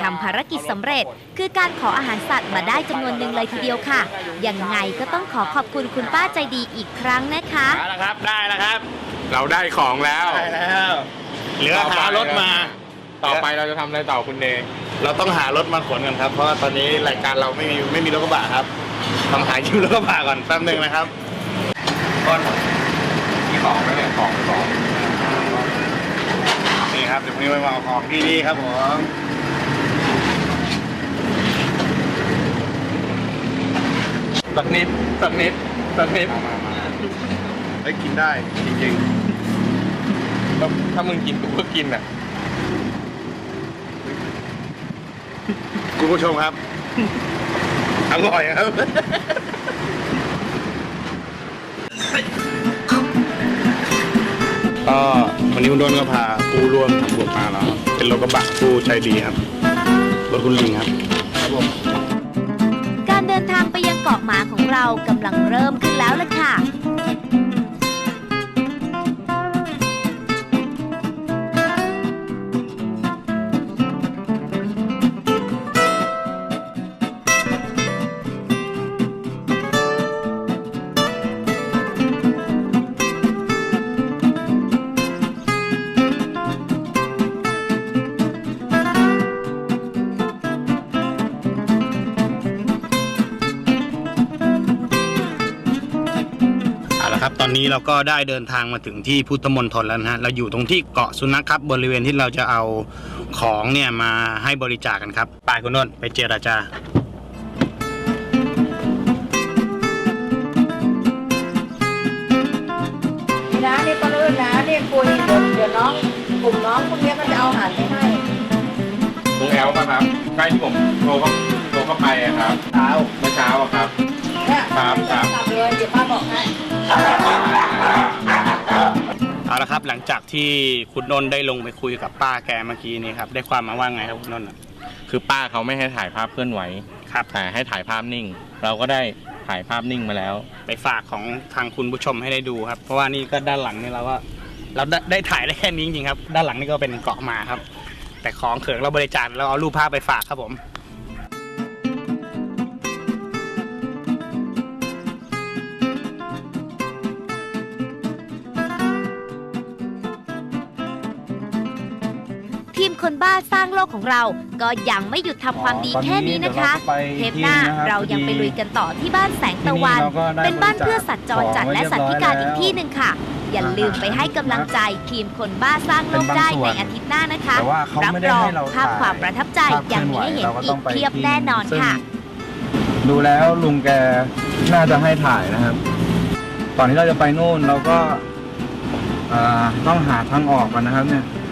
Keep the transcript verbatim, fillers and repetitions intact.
ทำภารกิจสำเร็จคือการขออาหารสัตว์มาได้จำนวนหนึ่งเลยทีเดียวค่ะยังไงก็ต้องขอขอบคุณคุณป้าใจดีอีกครั้งนะคะได้แล้วครับได้แล้วครับเราได้ของแล้วได้แล้วเหลือหารถมาต่อไปเราจะทำอะไรต่อคุณเดย์เราต้องหารถมาขนกันครับเพราะว่าตอนนี้รายการเราไม่มีไม่มีรถกระบะครับต้องหาคิวรถกระบะก่อนแป๊บนึงนะครับก้อนมีของไหมเนี่ยของของนี่ครับเดี๋ยววันนี้มาเอาของที่นี่ครับผมสักนิดสักนิดสักนิดได้กินได้จริงๆถ้ามึงกินกูก็กินอ่ะคุณผู้ชมครับอร่อยครับก็วันนี้คุณโดนก็พาผู้ร่วมทำบุญมาแล้วเป็นรถกระบะผู้ใจดีครับรถคุณลิงครับครับผมการเดินทางไปยังเกาะหมาของเรากำลังเริ่มขึ้นแล้วล่ะค่ะตอนนี้เราก็ได้เดินทางมาถึงที่พุทธมณฑลแล้วนะฮะเราอยู่ตรงที่เกาะสุนัขครับบริเวณที่เราจะเอาของเนี่ยมาให้บริจาคกันครับไปคุณนนท์ไปเจรจานะนี่ก็เลื่อนนะนี่คุยเดี๋ยวเดี๋ยวน้องกลุ่มน้องพวกนี้ก็จะเอาอาหารไปให้ลุงแอลป่ะครับใกล้ที่ผมโทรเข้าโทรเข้าไปครับเช้าเมื่อเช้าครับเนี่ยครับครับเลยเดี๋ยวป้าบอกให้เอาละครับหลังจากที่คุณนนท์ได้ลงไปคุยกับป้าแกเมื่อกี้นี้ครับได้ความมาว่าไงครับคุณนนท์คือป้าเขาไม่ให้ถ่ายภาพเคลื่อนไหวครับแต่ให้ถ่ายภาพนิ่งเราก็ได้ถ่ายภาพนิ่งมาแล้วไปฝากของทางคุณผู้ชมให้ได้ดูครับเพราะว่านี่ก็ด้านหลังนี่เราก็เราได้ได้ถ่ายได้แค่นี้จริงๆครับด้านหลังนี่ก็เป็นเกาะหมาครับแต่ของเขิงเราบริจาคเราเอารูปภาพไปฝากครับผมทีมคนบ้าสร้างโลกของเราก็ยังไม่หยุดทำความดีแค่นี้นะคะเทปหน้าเรายังไปลุยกันต่อที่บ้านแสงตะวันเป็นบ้านเพื่อสัตว์จรจัดและสัตว์พิการอีกที่หนึ่งค่ะอย่าลืมไปให้กำลังใจทีมคนบ้าสร้างโลกได้ในอาทิตย์หน้านะคะรับรองภาพความประทับใจยังมีให้เห็นอีกเพียบแน่นอนค่ะดูแล้วลุงแกน่าจะให้ถ่ายนะครับตอนนี้เราจะไปนู่นเราก็ต้องหาทางออกกันนะครับเนี่ย